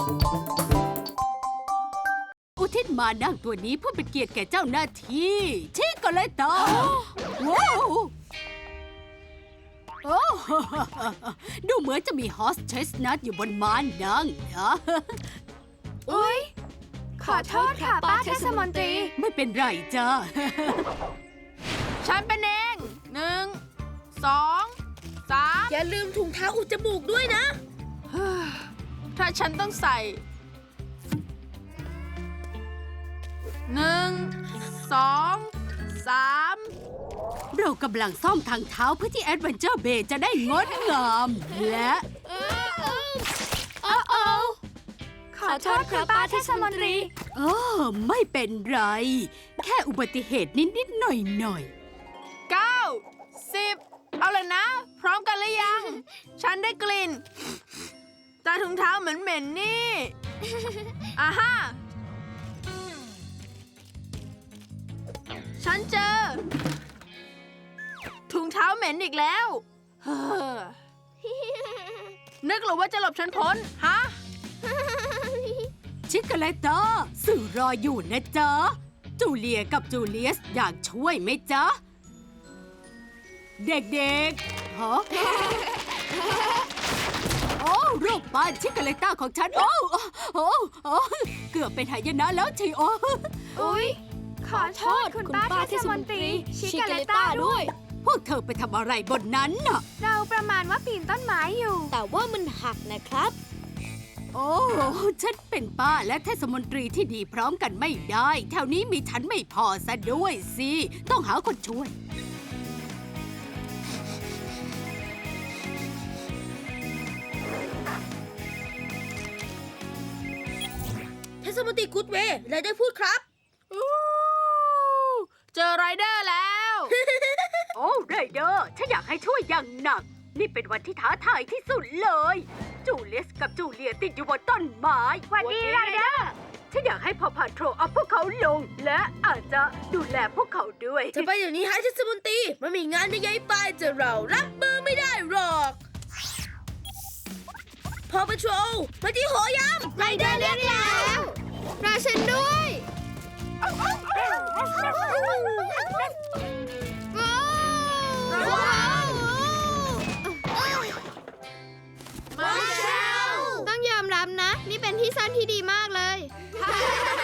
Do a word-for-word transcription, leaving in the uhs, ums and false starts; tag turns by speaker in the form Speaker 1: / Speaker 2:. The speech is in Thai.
Speaker 1: อุทิศมานั่งตัวนี้เพื่อเป็นเกียรติแก่เจ้าหน้าที่ชิโกเลตาว้าวโอ้ดูเหมือนจะมีฮอสเชสนัทอยู่บนม้านั่งนะ
Speaker 2: อุ๊ย ขอโทษค่ะป้าเทศมนตรี
Speaker 1: ไม่เป็นไรจ้า
Speaker 2: ฉันเป็นเองหนึ่งสองสาม
Speaker 3: อย่าลืมถุงเท้าอุดจมูกด้วยนะ
Speaker 2: ถ้าฉันต้องใส่หนึ่งสองสาม
Speaker 1: เรากำลังซ่อมทางเท้าเพื่อที่แอดเวนเจอร์เบย์จะได้งดงามและ
Speaker 2: ขอโทษค่ะป้าเทศมนตรี
Speaker 1: เออไม่เป็นไร แค่อุบัติเหตุนิดๆหน่อย
Speaker 2: เก้าสิบเอาเลยนะ พร้อมกันหรือยัง ฉันได้กลิ่นแต่ถุงเท้าเหม็นๆนี่อ่าฮะฉันเจอ ถุงเท้าเหม็นอีกแล้วเฮ้อนึกหรือว่าจะหลบฉันพ้น ฮะ
Speaker 1: ๆ ชิโกเลตาสื่อรออยู่นะจ๊ะ จูเลียกับจูเลียสอยากช่วยไหมจ๊ะ เด็กๆฮะ โอ้รูปปั้นชิโกเลตาของฉัน โอ้โอ้โอ้เกือบเป็นหายนะแล้วทีโอ
Speaker 2: อุ๊ย ขอโทษคุณป้าเทศมนตรีชิกาเลต้าด้วย
Speaker 1: พวกเธอไปทำอะไรบนนั้นน่ะ
Speaker 2: เราประมาณว่าปีนต้นไม้อยู่
Speaker 3: แต่ว่ามันหักนะครับ
Speaker 1: โอ้ ฉันเป็นป้าและเทศมนตรีที่ดีพร้อมกันไม่ได้ แถวนี้มีฉันไม่พอซะด้วยสิ ต้องหาคนช่วย
Speaker 3: เทศมนตรีกูดเวย์ไรได้พูดครับ
Speaker 2: อู้เจอไรเดอร์แล้ว
Speaker 1: โอ้ไรเดอร์ฉันอยากให้ช่วยอย่างหนัก นี่เป็นวันที่ท้าทายที่สุดเลย จูเลียสกับจูเลียติดอยู่บนต้นไม้
Speaker 2: วันดีไรเดอร์
Speaker 1: ฉันอยากให้พอพาโทรเอาพวกเขาลง และอาจจะดูแลพวกเขาด้วย
Speaker 3: จะไปอย่างนี้ฮะเทศมนตรีมันมีงานใหญ่ๆไปจะเรารับมือไม่ได้หรอก พอปะโทรมาที่หอยำ
Speaker 2: ไรเดอร์เรียกแล้วรอฉันด้วยว้าวมาเชลต้องยอมรับนะ นี่เป็นที่ซ่อนที่ดีมากเลย